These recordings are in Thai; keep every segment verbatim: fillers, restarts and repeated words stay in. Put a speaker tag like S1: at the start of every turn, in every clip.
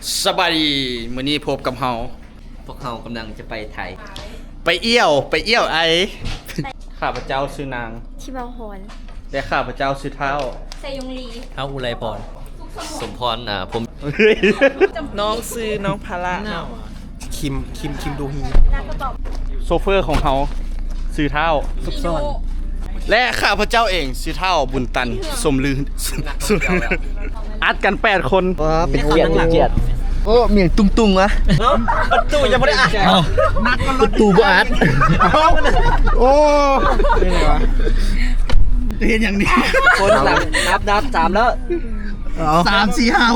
S1: สบายดีมื้อนี้พบกับเฮา
S2: พวกเขากำลังจะไปไทย
S1: ไปเอี้ยวไปเอี้ยวไอ ข้าพเจ้าชื่อนาง
S3: ชิบาพร
S1: และข้าพเจ้าชื่อเท้า
S3: ไซยงลี
S2: เท้าอุไรพร สมพรอ่าผม
S1: เฮ้ย
S4: น้องซื้อน้องพาระเนาะ
S5: คิมคิมคิมดูฮี
S3: นางกระบอก
S1: โซเฟอร์ของเฮาชื่อเท้า
S5: ซุกซ่อน
S1: และข้าพเจ้าเองชื่อเท้าบุญตันสมลืออัดกันแปดคน
S2: เป็นเกียรติเป็นเกียรติ
S5: โอ้เมียงตุ้งตุ้งวะ
S2: เนาะประตูยังไม่ได้อ่าน
S5: ประตูบ่อัดโอ้เป็นไงวะ
S1: เห็นอย่างนี้
S2: คนหลังนับนับสามแล้ว
S1: สามสี่ห้า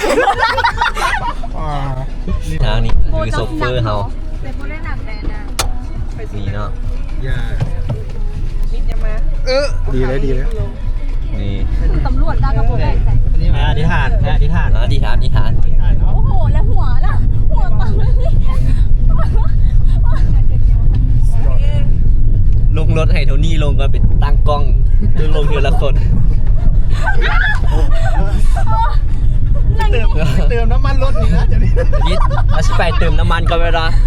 S2: ทางนี้คือโซเฟอร์เขา
S3: เป็นผู้เล่นหนังแดนนะ
S2: นี่เนาะ
S4: นิดยังมา
S5: เออดีเลยดีเลย
S2: นี่
S3: ตำรวจนางกระบอกใส่
S2: อธิษฐานอธิษฐานอธิษฐานอธิษฐาน
S3: โอ้โห แล้วหัวล่ะ หัวปังเลย
S2: ลงรถให้โทนี่ลงก็เป็นตั้งกล้องดูลงทีละคน
S3: นั่ง
S5: เติมเติมน้ำมันรถนี่นะเดี๋ยวนี้
S2: ยิดอาชิไปเติมน้ำมันก็ไม่ได้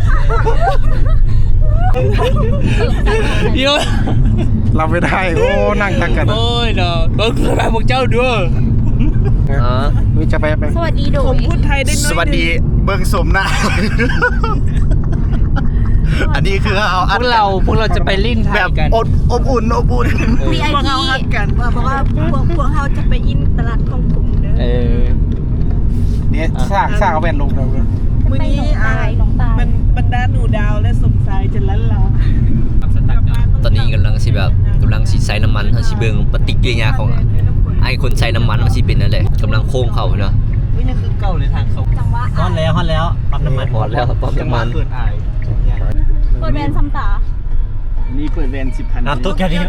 S2: เยอะ
S5: รับไม่ได้โอ้นั่งทักกัน
S2: โอ้ยเนาะก็คือแบบพวกเจ้าด้วยอ๋อ
S5: นี่จะไปไป
S3: สวัสดีโด
S4: ผม
S3: ย
S4: พูดไทยได้น้อย
S1: สวัสดีเบิ่งสมหน้า อันนี้คือเอา
S2: พ
S1: อัด
S2: วกเราพวกเราจะไปลิ้นไท
S1: แบ
S2: ย
S1: บ
S2: กัน
S1: อบอบอุ่นอบอุ่น
S3: วีไอ
S4: พวก
S3: พี
S4: เขาฮักกัน
S6: เพราะว่าพวกพวกเขาจะไปอินตลาดของผมเด้อ
S2: เออ
S5: เนี่ยสร้างสร้างเอาแว่นลงเลย
S4: มื้อนี้อ่า
S3: น้องตาย
S4: มันบรรดาหนูดาวและสมสายจะลันลา
S2: ตอนนี้กำลังสิแบบกำลังสิใส่น้ำมันเขาสิเบิ่งปฏิกิริยาของไอ้คนใส่น้ำมันมันสิเป็นนั่นแหละกำลังโค้งเขาเนาะ
S4: นี่คือเก่าเลยทางเขา
S3: จังหวะ
S2: ฮอดแล้วฮอดแล้วปั๊มน้ำมันฮอดแล้วปั๊มน้ำมัน
S5: เกิดอาย
S3: เปิดแวนซัมตา
S1: นี่เปิดแวนสิบพัน
S2: น้ำตุ๊กแค่นี้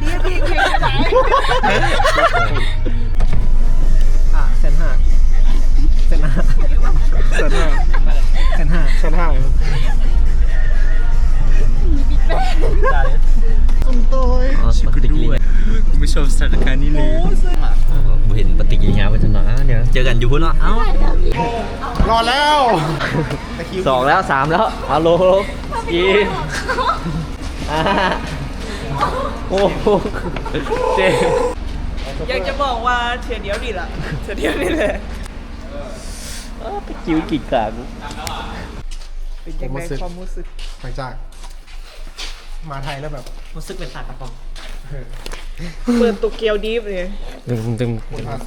S5: อ่ะเซนห้าเซนห้าเซนห้าเซนห้าเซนห้าตุ้มโต้ย
S2: อ๋อปฏิกิริยา
S1: ไม่ชอบสถานการณ์นี้เลย
S2: บ่เห็นปฏิกิริยาเป็นจังเนาะเดี๋ยวเจอกันอยู่พุ่นเนาะเอ้าร
S5: อแล้ว
S2: สองแล้วสามแล้วฮัลโหลอีอ่าโอ้โหเจ๊
S4: อยากจะบอกว่าเทียเดียวนี่ล่ะเทียเดียวนี่แหละ
S2: คิวกิดกาก
S4: เป็นยังไงความรู้สึก
S5: หลังจากมาไทยแล้วแบบ
S2: รู้สึกเป็นตากระป๋อง
S4: เปิดโตเกียวดีฟเลย
S2: ตึงตึง
S5: คนภาษี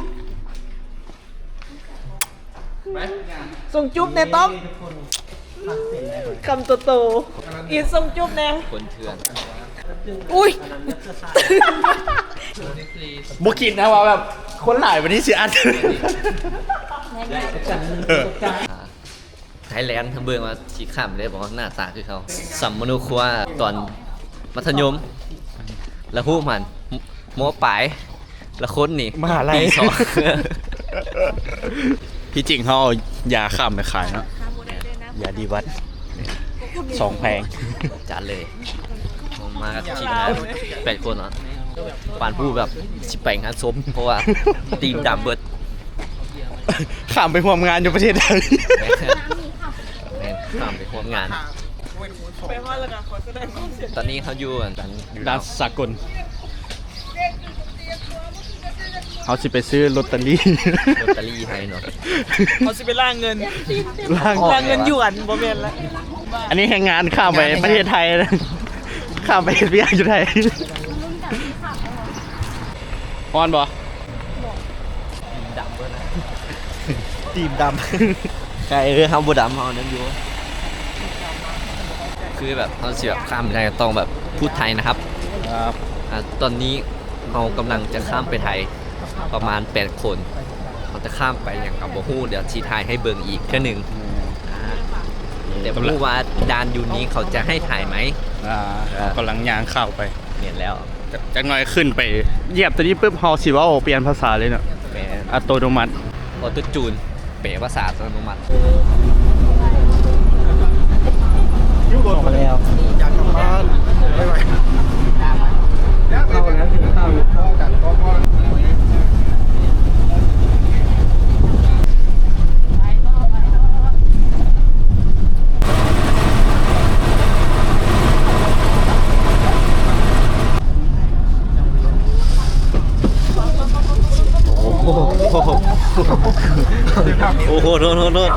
S4: ส่งจุ๊บในต้อมคำโตๆอีส่งจุ๊บแน่
S2: คนเถื่อน
S4: อุ้ย
S1: บุกินนะว่าแบบคนหลายวันนี้สิอัด
S2: ไทยแลนด์ทั้งเบืองมาชี้ข้ามเลยบอกว่าหน้าตาคือเขาสัมมโนครัวตอนมัธยม แล้วพูดมันโมปลายแล้วคนนี่
S1: มหาลัย
S2: ปีสอง
S1: พี่จริงเขาเอายาข้ามไปขายเนาะยาดีวัดสองแพง
S2: จัดเลยผมมากับทีมงานแปดคนเนาะปานผู้แบบสิไปงานศพเพราะว่าทีมดำเบิด
S1: ข้ามไปร่วมงานอยู่ประเทศไทย
S2: แม่งข้ามไปร่วมงาน
S4: ไปฮอดแล้วกันขอแสดงความเสียใจ
S2: ตอนนี้เขาอยู่กันอยู่
S1: ด้านสากลเขาสิไปซื้อลอตเตอรี่
S2: ลอตเตอรี่ให้เนาะ
S4: เขาสิไปล่างเงิน
S1: ล่าง
S4: ล่างเงินหยวนบ่แม่นละ
S1: อันนี้แข่งงานข้ามไปประเทศไทยนะข้ามไปเวียดอยู่ไทยพอนบ่
S2: ดำเบิดนะ
S1: ตีมด
S2: ใช่เออเขาบูดำเขานั้นอยู่คือแบบเขาเสียบข้ามไปไทยต้องแบบพูดไทยนะครับ
S1: ำครับ
S2: อ่ะตอนนี้เรากำลังจะข้ามไปไทยประมาณแปดคนเขาจะข้ามไปอย่างกับโบฮู้เดี๋ยวชีไทยให้เบิ่งอีกแค่หนึ่งอ่าแต่ไม่รู้ว่าดานยูนี้เขาจะให้ถ่ายไหม
S1: อ่ากำลังยางเข้าไป
S2: เห็นแล้ว
S1: จักหน่อยขึ้นไปเหยียบตัวนี้ปุ๊บเฮาสิว่าโอเปลี่ยนภาษาเลยเนาะ
S2: แปล
S1: อัตโนมัติ
S2: ออโต้จูนเป๋ภาษาอัตโนมัติ
S5: ยุโรปมาแล้วอยากกลับบ้านไม่ไหวเข้าแล้วถึงเข้าเข้ากันก็พอ
S2: โหโทษโทษโทษ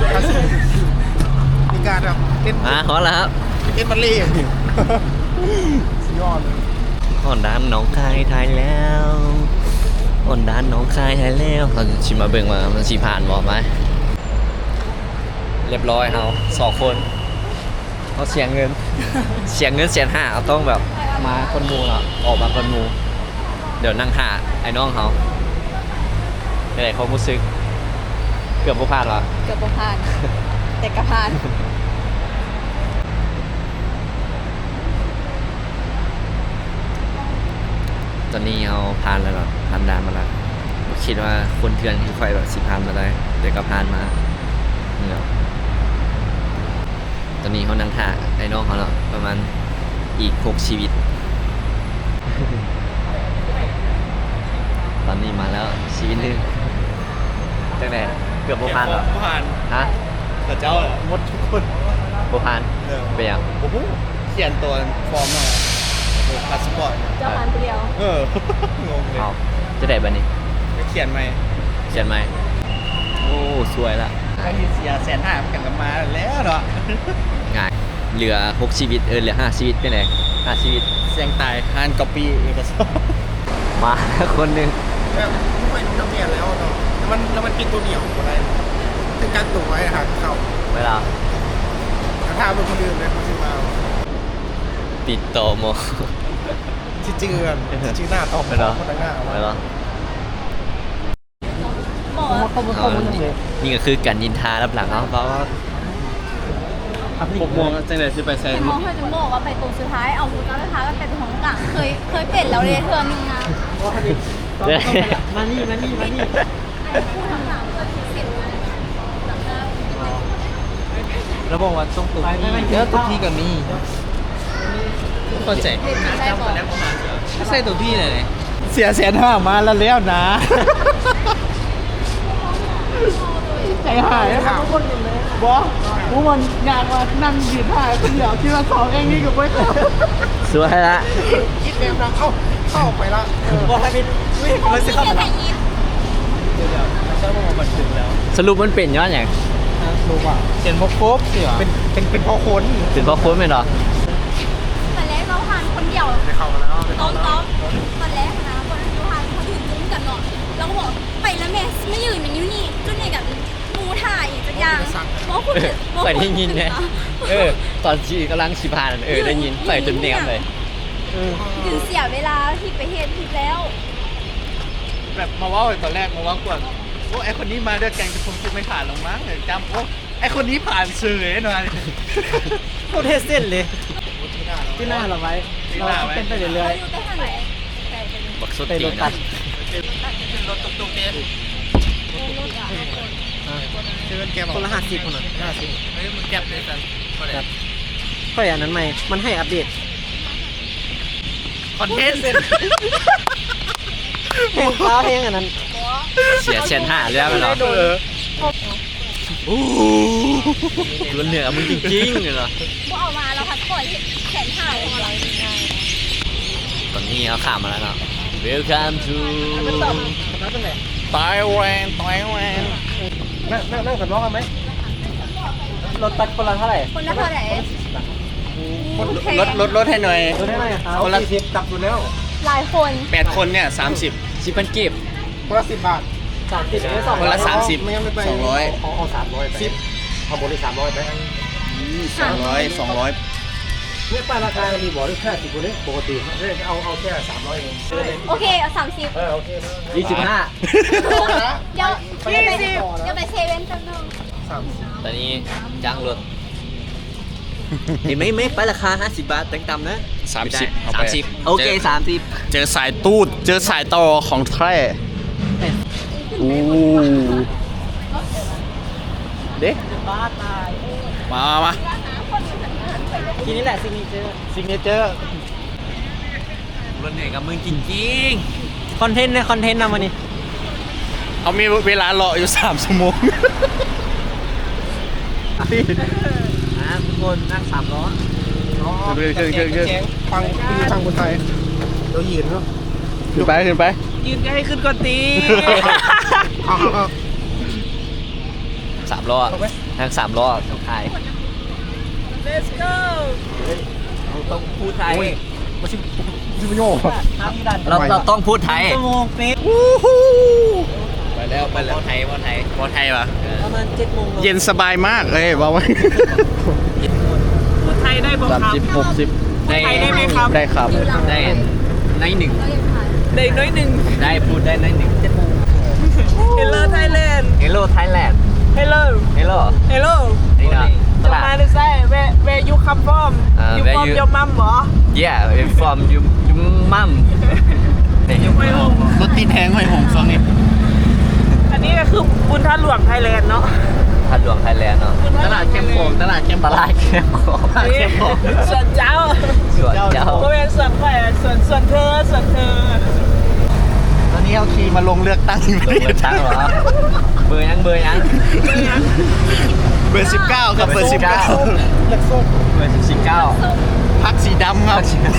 S5: มีการแบบเต้น
S2: อ่ะขอแล้วครับ
S5: เต้นบัลเล่ต์สุดยอดเลย
S2: อ่อนด้านน้องคายไทยแล้วอ่อนด้านน้องคายไทยแล้วเราจะชิมมาเบิ่งว่ามันสีผ่านบ่ไหมเรียบร้อยเขาสองคนเขาเสียเงิน เสียเงินเสียห้าเขาต้องแบบมาคนหมูเนาะออกมาคนหมู เดี๋ยวนั่งหาไอ้น้องเขาอะไรเขารู้สึก เกือบบ่พลาดหรอ
S3: เกือบบ่ผ่าน แต่กระผ่าน
S2: ตอนนี้เขาผ่านแล้วเนาะผ่านด่านมาแล้วคิดว่าคนเถื่อนที่คอยแบบสิผ่านมาได้เดี๋ยวก็ผ่านมาเนาะตอนนี้เขานั่งท่าไอ้น้องเขาเนาะประมาณอีกหกชีวิต ตอนนี้มาแล้วชีวิตหนึงตั้งแต่เกือบบ่ผ่านหรอ
S1: ผ่าน
S2: ฮะ
S1: แต่เจ้าอะหมดทุกคน
S2: บ่ผ่าน
S1: เออ
S2: เป็นยัง
S1: โอ้โหเขียนตัวฟอร์มมาพาสปอร์ต
S3: เจ้าผ่านคนเดียว
S1: เออ งงเลย
S2: เอาจะได้บัดนี้
S1: จะเขียนไหม
S2: เขียนไหมโอ้สวยละ
S1: ใครที่เสียแสนห้ากันกันมาแล้วเนาะ
S2: ง่ายเหลือหกชีวิตเออเหลือห้าชีวิตเป็นไงห้าชีวิต
S1: เสียงตายฮานก๊อปปี้เอกสาร
S2: มาคนหนึ่ง
S5: แบบไม่ต้องเปลี่ยนแล้วเนาะแล้วมันแล้วมันปิดตัวเหนียวอะไรเป็นการตัวไว้หาเข้า
S2: เวลา
S5: ถ้าเป็นคนอื่นเลยเขาจะมา
S2: ติดต่อหมอ
S5: ชื่อจือนชื่อหน้าตอบ
S2: ไปเหรอ
S5: คนต่างหน้า
S2: ไปเหรอ
S3: หมอ
S2: เอานี่ก็คือการยินทารับหลังเขาเพราะว่า
S1: หกโมงจังเลยสิไปแซง
S3: เห็นหมอเคยถึงบอกว่าไปตรงสุดท้าย เอาหูจ้าสุดท้ายก็ไปตรงของกลางเคย เคยเป็นแล้วเลยเธอมีงาน
S4: มานี่มานี่มานี่
S3: ไอ้ผู้ทำหนังเคยเสร็จแล้ว
S4: แล้วบอกว่าต้องตัวพี่เยอะตัวพี่กับมีเข้าใจ
S3: เด็กได้บอก
S4: ไม่ใช่ตัวพี่เลย
S1: เสียแสนห้ามาแล้วแล้วนะ ใจหายนะครับทุกคนเลยบอสพวกมันงานมานั่งยืนถ่ายคนเดียวที่มาสองเองนี่กับไม่เคย
S2: สวยละ
S5: คิดเต็มนะเข้าเข้าไปละเออ
S4: บอกให้เป็นวิ่ง
S3: มั
S4: มาน สิ
S3: สิ
S4: เข้า
S3: เข้า
S4: ไป
S3: ไปยิน
S2: สรุปมันเป็นย้อนอย่าง
S5: รู้ป่ะ
S4: เขียนบกครบสิวะ
S5: เป็นเป็นเป็นพอคน
S2: ถึงเพราะโค้ดไหมเหรอ
S3: แต่แรกเราผ่านคนเดียว
S5: ได้เข้ามาแล้วได้
S3: ต้
S5: เข้า
S3: อง
S5: มาแล้ว
S3: ต้องตอนแรกนะคนเราผ่านเขายืนจุ้มกันเนาะแล้วก็บอกไปแล้วแม่ไม่ยืนอย่างนี้นี่จุ้นเนี่ยกับมูถ่ายอย่างจะย่างบอกคุณ
S2: ไปได้ยินไงเออ ตอนชีกำลังชิพานเออได้ยินไปจนแนมเลย
S3: ยืนเสียเวลาที่ไปเฮ็ดผิดแล้ว
S1: แบบมาว่าตอนแรกมาว่ากวนโอ้ไอคนนี้มาด้วยกันจะคงจะไม่ผ่านหรอกมั้งจำโอ้ไอคนนี้ผ่านเฉยหน่อย
S4: โคตรเทสเส้นเลยที่หน้าเราไว้เราเป็นไปเรื่
S3: เรา
S4: อย
S3: อยู่แต่ทางไหน
S2: บักสุด
S4: ๆไป
S2: ตี
S4: ร
S2: น
S4: ถตัด
S1: รถตุกๆเนี่ย
S5: เชิญแกบอก
S4: คนละห้าสิบคนละห้าสิบ
S1: เฮ้ยมึงแก็บเลยสัน
S4: ค่อยอันนั้นใหม่มันให้อัปเดต
S1: คอนเทนต์
S4: เพลงฟ้าเพลงอันนั้น
S2: เสียเชนห้าแล้วไหมเหรอโอ้โหล้วนเหนือมึงจริงๆเลยเหรอ
S3: พวกเอามาเราพัดปล่อยแขนถ่ายของเราง่าย
S2: ตอนนี้เขาข้ามมาแล้วเนาะ Welcome to
S1: ไต้หวันไต้หวัน
S5: นั่งนั่งนั่งสำรองกันไหม
S4: รถตัดคนละเท่าไหร่
S3: คนละเท่าไหร่
S1: ลดลดลดให้หน่อย
S4: รถได้ไหมครับ
S1: คนละ
S5: สี่สิบจับอยู่แล้ว
S3: หลายคน
S1: แปดคนเนี่ยสามสิบ
S2: ชิปันเก็บ
S5: คนละสิบบาท
S4: สามสิบไม่สอง
S1: คนละสามสิบ
S5: ไม่งั้นไม่ไป
S1: สองร้อย
S5: เอาเอาสามร้อยไปสิบเอาบนได้สามร้อยไป
S1: สองร้อยสองร้อย
S5: เนี่ยป้ายราคามีบอกได้แค่สิบคนนี้ปกติเอาเอาแค่สามร้อยเอง
S3: โอเคเอาสามสิบ
S5: เออโอเค
S2: ยี่สิบห้า
S3: เดี๋ยวเดี๋ยวไปเดี๋ยวไปเซเว่นแป๊บนึง
S5: สามสิบ
S2: ตอนนี้จ้างรถเห็นไหมไม่ไปราคาห้าสิบบาทแต่งต่ำนะ
S1: สามสิบเอา
S2: สา
S1: ไป
S2: มสิบโอเคสามสิบ
S1: เจอสายตูด เจอสายต่อของแท้อู้เด็ก
S4: บ้าตาย
S1: มามา
S4: ทีนี้แหละซิงเจอร์
S1: ซิงเกิล
S2: รถเหนื่อยกับมึงจริง
S4: คอนเทนต์เนี่ยคอนเทนต์นำมานี่
S1: เอามีเวลารออยู่สามชั่วโมง
S2: ๆอ่ะทุกคนนั่งสามล้อ
S1: เกินเกินเกินเกิน
S5: ฟังคือทางคนไทยเรายืนเนาะ
S1: ขึ้นไปขึ้นไป
S4: ยืนใกล้ขึ้นก่อนตี
S5: เอาเอาเอา
S2: สามล้อนั่งสามล้อสุดท้าย
S4: let's go
S2: เราต้องพูดไทย
S5: มาชิชิมโย่
S2: เราเราต้องพูดไทย
S4: ชั่วโมงเป๊ะ
S2: ไปแล้วไปแล้วไทยว่าไทย
S1: บอไทยวะ
S4: ประมาณเจ็ดโมง
S1: เย็นสบายมากเลยบอกว่า
S4: พูดไทยได้บ่ครับ
S1: สามสิบหกสิบ
S4: พูดไทยได้ไหมครับ
S1: ได้ครับ
S2: ได้ในหนึ่ง
S4: ได้น้อยหนึ่ง
S2: ได้พูดได้ในหนึ่ง
S4: Hello Thailand
S2: Hello Thailand
S4: Hello
S2: Hello
S4: Hello
S2: นี่นะต
S4: จะ
S2: ลาด
S4: มาได้ไซ where where you come from
S2: อ่า
S4: you
S2: where
S4: from
S2: you-
S4: your mom เหรอ
S2: Yeah I'm from you you mum
S4: ไม่รู้
S1: รถตีนแทงหอยหงซองนี่
S4: อันนี้ก็คือบุญท่าหลวงไทยแลนด์เนาะ
S2: พันหลวงไทยแลนด์เนาะ
S1: ตลาดเข้มโขงตลาดเข้ม
S2: ตลาดเข้มข้น
S4: อันนี้ส่วนเจ้า
S2: สวนเจ้า
S4: ก็เป็นส่วนแขวส่วนส่วนเธอส่วนเธอ
S1: ตอนนี้เอาขี่มาลงเลือกตั้งอยู่
S2: เบอร์ตั้งเหรอเบอร์ยังเบอร์ยัง
S1: เบอร์สิบเก้าครับเบอร์สิบเก้า
S5: เล็กส้ม
S2: เบอร์สิบเก้า
S1: พักสีดำครับ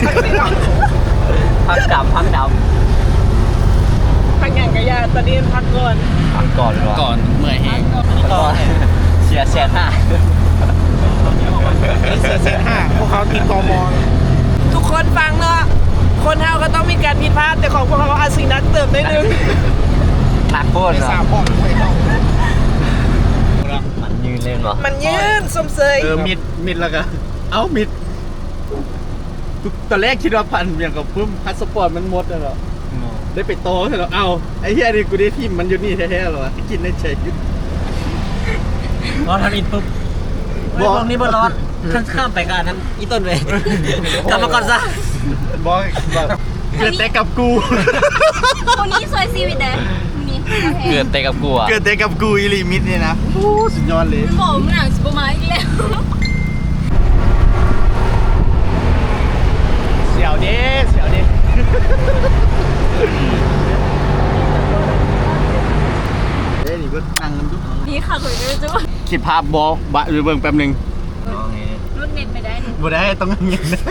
S2: พักดำพักด
S4: พักอย่างกะยาตอนนี้พักก่อน
S2: ำพักก่อนเหรอ
S1: ก่อนเมื่อยแห้ง
S2: ก่อนเสียแสนห้า
S5: เซนห้าพวกเขาติดตอมอ
S4: ทุกคนฟังเนาะคนเฮาก็ต้องมีการผิดพลาดแต่ของพวกเขาอาจสิ่งนักเติมได้นึง
S2: หนักโคตร
S5: ไม่
S2: เหร
S5: ทรา
S2: อบ
S5: พ่อไม่เข้า
S2: มันยืนเล่นเหรอ
S4: มันยืนสมเสย
S1: เออมิดมิดแล้วก็เอ้ามิดตอนแรกคิดว่าพันอย่างกับพุ่มพาสปอร์ตมันหมดแล้วเหรอได้ไปโตใช่เหรอเอ้าไอ้เหี้ยนี่กูได้ทีมมันอยู่นี่แท้ๆเหรอกินได้เฉย
S7: รอทำอินปุ๊บ
S1: บอก
S7: ตรงนี้บนรอดข้ามข้ามไปกันนั้นอีต้นเลยกลับมาก่อนซะ
S1: บอกแบบเกิดแต่กับกู
S3: คนนี้สวยซีวิตเด้นี่
S2: เกิดแต่กับกูอ่ะ
S1: เกิดแต่กับกูอีลิมิตเนี่ยนะโอ้สุดยอดเลย
S3: มันบอกมันหนังสปอร์มาอีกแล้ว
S1: เสียวเด้เสียวเด้เอ้ยนี่ก็นั่งกันทุก
S3: นี่ค่ะคุยกันจุ๊บ
S1: คิดภาพบอกบะหรือเบิ่งแป๊บหนึง
S3: รุ่นเน็ตไม่ได้นี่
S1: บ่ได้ต้องเงียบนะ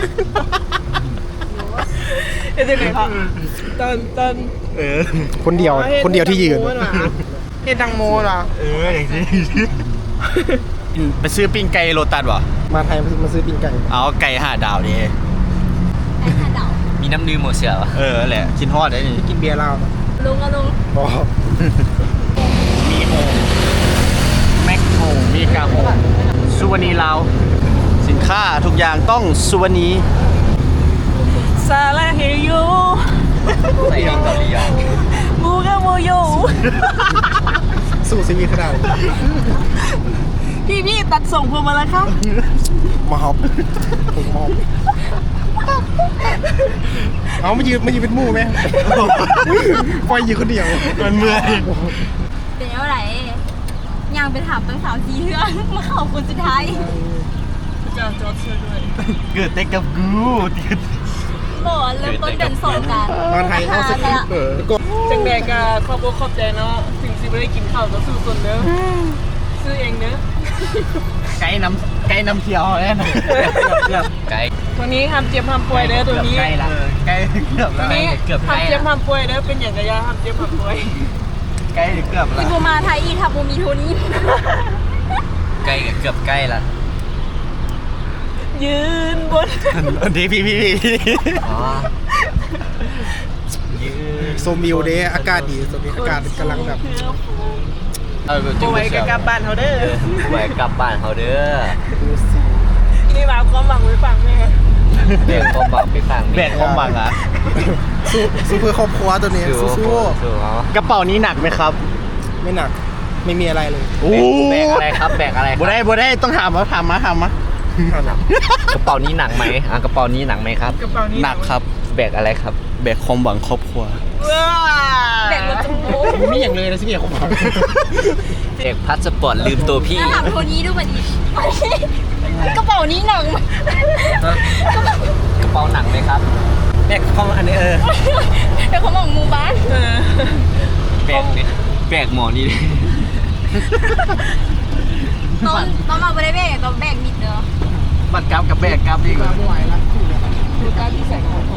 S4: เดี๋ยวไหนครับตอนตอน
S1: เออ
S5: คนเดียวคนเดียวที่ยืน
S4: เห็นดังโมเหรอ
S1: เอออย่างนี้ไปซื้อปิ้งไก่โลตัสวะ
S5: มาไทยมาซื้อปิ้งไก่
S1: เอาไก่ห้าดาวดิ
S3: ไอ้ห่าเดา
S2: มีน้ำดื่มหมดเสือวะ
S1: เออแหละกินฮอดได้นี่
S5: กินเบียร์เหล้า
S3: ลุงก็ลุง
S5: บอก
S1: มีโฮมแม็กโฮมมีกาโฮมสุวรรณีลาวสินค้าทุกอย่างต้องสุวรรณี
S4: ซาลาเฮยู
S2: ใส่เพลงเกาหลีอ่ะ
S4: มูกะโมโย
S5: สู้ชีวิตขนาด
S4: พี่พี่ตัดส่งพวงมาแล้วครับ
S5: มาฮอปผมมอบเอาไม่ยืนไม่ยืนเป็นหมู่ไหมปล่อยยืนคนเดียว
S1: มันเมื่อย
S3: เป็นเท่าไหร่ยังไปถามตั้งสาวทีเรื่องมาเข้าคนสุดท้าย
S4: จะจอดเชื่อด้วย
S1: เกิดแต่กับกูเกิด
S3: บอกว่าเริ่มต้นเดินสงกัน
S5: มาไทยเอาสิเออก็
S4: จังแดกอะขอบอกขอบใจเนาะถึงสิไม่ได้กินข้าวก็สู้ส่วนเด้อซื้อเองเด้อ
S1: ไก่น้ำไก่น้ำเที่ยวแน่นอนเกือบ
S2: ไกล
S4: ตัวนี้ห้ามเจ็บห้ามป่วยเด้อตัวนี้
S1: ใกล้ละใกล้เกือบ
S4: ตัว
S1: ละ
S4: นี้
S2: เกือบใกล้
S4: ห้าม
S2: ละ
S4: เจ็บห้ามป่วยเด้อเป็นอย่างกระยาห้ามเจ็บห้ามป่วย
S1: ใกล้เกือบละ
S3: ที่บูมาไทยอีทับบูมีโทนี่
S2: ใกล้เกือบใกล้ละ
S4: ยืนบน
S1: ดีพี่พี่พี่
S2: อ๋อยืน
S5: โซมิวเดย์อากาศดีตอนนี้อากาศกำลังแบบ
S1: เออ
S4: โอ้ยกับกลับบ้านเขาเด้อ
S2: ไว้กลับบ้านเขาเด้อ
S4: นี่มาความหวังไว้ฟังแม่
S2: เด็กความหวังไปฟัง
S1: แบกความบังอ่ะ
S5: สู้สู้เพื่อครอบครัวตัวนี้
S2: สู้
S5: สู้
S2: สู้เนาะ
S1: กระเป๋านี้หนักไหมครับ
S5: ๆไม่หนักไม่มีอะไรเลย
S1: โอ้
S2: แบกอะไรครับแบกอะไรครับ
S1: บ่ได้บ่ได้ต้องถามว่าถามมาถามมาก
S2: ระเป๋านี้หนักไหมอ่ะกระเป๋านี้หนักไหมครับ
S4: กระเป๋านี้
S1: หนักครับ
S2: แบกอะไรครับ
S1: แบกความหวังครอบครัว
S4: ว้า
S3: แบ่งรถจมูก
S5: ไม่มีอย่างเลยนะสิเมียของผม
S2: แบกพาสปอร์ตลืมตัวพี่
S3: ถ้าถามโทนี้ดูบัดนี้กระเป๋านี้หนัง
S2: กระเป๋าหนักไหมครับ
S7: แบกข้ออันนี้เออ
S3: เป็นของหมู่บ้าน
S4: เออ
S2: แบกนี่แบกหมอนี่ดิ
S3: ตอนตอนมาไม่ได้แบกตอนแบกมิดเด้อ
S1: บัตรกราฟกับแบกกราฟดีกว่า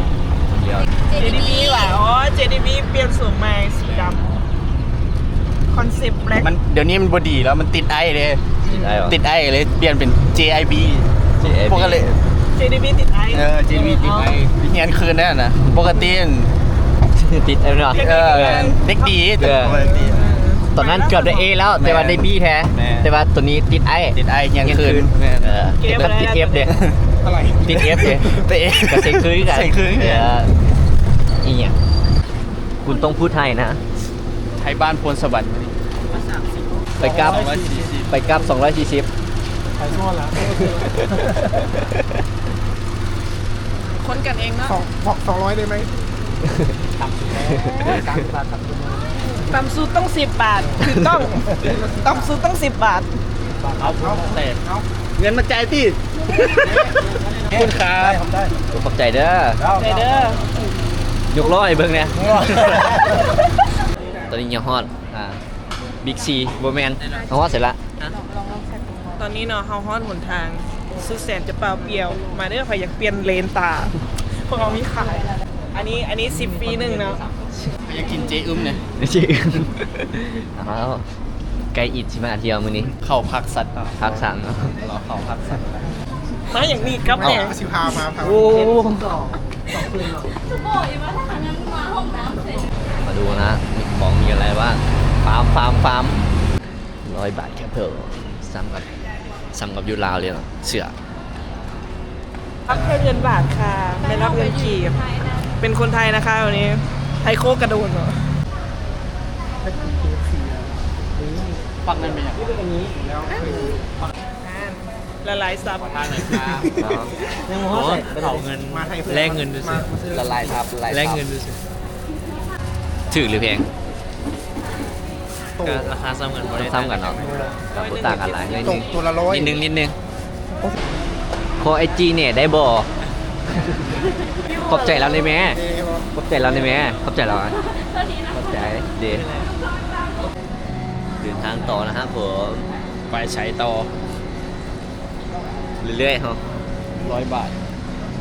S2: เดี๋ยว
S3: เจ
S4: เจ
S3: ดี
S4: ดี
S3: บี
S4: บีว่ะอ๋อ เจดีบีเปลี่ยนสูงใหม่สีดำคอนเซ็ปต์แบล็ค
S1: มันเดี๋ยวนี้มันบดีแล้วมันติดไอเลย
S2: ติดไอเหรอ
S1: ติดไอเลยเปลี่ยนเป็น เจ ไอ บี
S2: เจ ไอ บี
S1: ปกติ
S4: เจดีบีติดไอ
S1: เออ เจ บี ติดไอเฮียนคืนนั่นนะปกติ
S2: ติดไอเนาะ
S1: เออเด็กดีแต่ปกติ
S2: ตอนนั้นเกือบได้ A แล้วแต่ว่าได้ B แท้
S1: แม่
S2: แต่ว่าตัวนี้ติดไอ
S1: ติดไอเฮียนคืน
S2: เออแล้วติด F เด้
S5: อะไร
S2: ติด F เด้
S1: เตะ
S2: ก็เซ็งคืนกัน
S1: เซ็งคืน
S2: เอออีหยังคุณต้องพูดไทยนะ
S1: ไทยบ้านพลสวัสดิ์
S2: ไปกลับไปกลับสองร้อยสี่สิบ
S5: ไปซ่อนแล้ว
S4: คนกันเองเนาะ
S5: สองบอกสองร้อยได้ไหม
S4: ต่ำสุดต้องสิบบาทคือต้องต่ำสุดต้องสิบบาท
S1: เอาเอาเตะเอาเงินมาจ่ายที่ขอบคุณครับ
S5: ทำได้
S2: ขอบใจเด้อ
S4: ใจเด้อย
S2: กล้อให้เบิ่งเนี่ยตอนนี้ยังฮอดอ่าบิ๊กซีบ่แม่นยังฮอดเสร็จละ
S4: ตอนนี้เนาะเฮาฮอดหนทางสุดแสนจะเปล่าเปลี่ยว มาเด้อใครอยากเปลี่ยนเลนตาพวกเรามีขาย อันนี้อันนี้สิบปีหนึ่งเนาะ
S1: อยากกินเจอึมเนี่ย
S2: จริงอ้าวไกลอิดสิมาเที่ยวมื้อนี้
S1: เข้าพักสัตว์
S2: พักสั่งเนาะ
S1: รอเข้าพักสัตว์
S4: มาอย่างนี้ครับเนี่ย
S5: สิพาพาพา
S2: โอ้
S3: ทุกโบยว่าถ้างั้นมาห้องน้ำเสร็จ
S2: มาดูนะของมีอะไรบ้างฟาร์มฟาร์มฟาร์มร้อยบาทแค่เพิ่มซ้ำกับซ้ำกับยูราวเลยเนาะเสือ
S4: รับแค่เงินบาทค่ะ ไม่รับเงินกีบเป็นคนไทยนะคะวันนี้ ไทยโคกกระโดดเหรอ
S1: ฟังนั่นเป็นอย่าง
S4: ละลายซับ
S1: ทางไหนครับ
S7: ยังมอสไปเผาเงิน
S5: มาไทย
S7: แลกเงินดูสิ
S2: ละลายทับละลาย
S7: แลก
S2: ทับ
S7: เงินดูสิ
S2: ถือหรือแพง
S7: ก็ราคาซ้ำกันบ่ได้
S2: ซ้ำกันเนาะกับโบต่างกันหลายนิด
S5: ต
S2: นึ
S5: ก
S2: ง
S5: ตัวละร้อย
S2: นิดนึงนิดนึงขอไอจีเนี่ยได้บ่ขอบใจเราได้ไหมขอบใจเราได้ไหมขอบใจเราอ่ะขอบใจเดเดินทางต่อนะครับผมไปใช้ต่อเรื่อยๆครับ
S1: ร้อยบาท